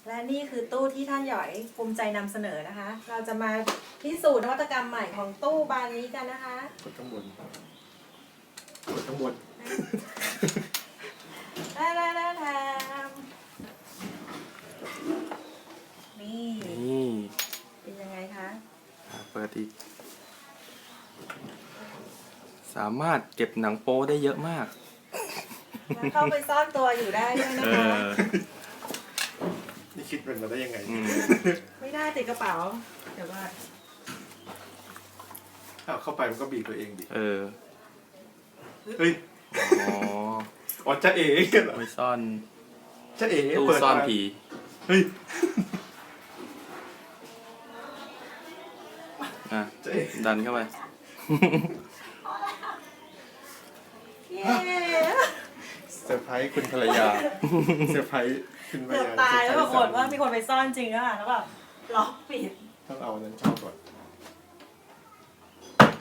และนี่คือตู้ที่ท่านหยอยภูมิใจนำเสนอนะคะ เราจะมาพิสูจน์นวัตกรรมใหม่ของตู้บานนี้กันนะคะกดข้างบนกดข้างบนนี่นี่เป็นยังไงคะเปิดอีกสามารถเก็บหนังโป๊ได้เยอะมากแล้วเข้าไปซ่อนตัวอยู่ได้ด้วยนะเอคะอนี่คิดเป็นมาได้ยังไงไม่ได้ติดกระเป๋า เดี๋ยวว่าอ้าวเข้าไปมันก็บีบตัวเองดิเออเฮ้ยอ๋ออ๋อจ๊ะเอ๋เหรอไม่ซ่อนจ๊ะเอ๋ตู้เปิดซ่อนมาผีเฮ้ยอ่ะจ๊ะเอ๋ดันเข้าไปเย้เซอร์ไพรส์คุณภรรยาเซอร์ไพรส์คุณภรรเกือบยาตายแล้วปรากฏว่าเซอร์ไพรส์มีคนไปซ่อนจริงอะค่ะแล้วแบบล็อกปิดต้องเอาอันนั้นเข้าก่อน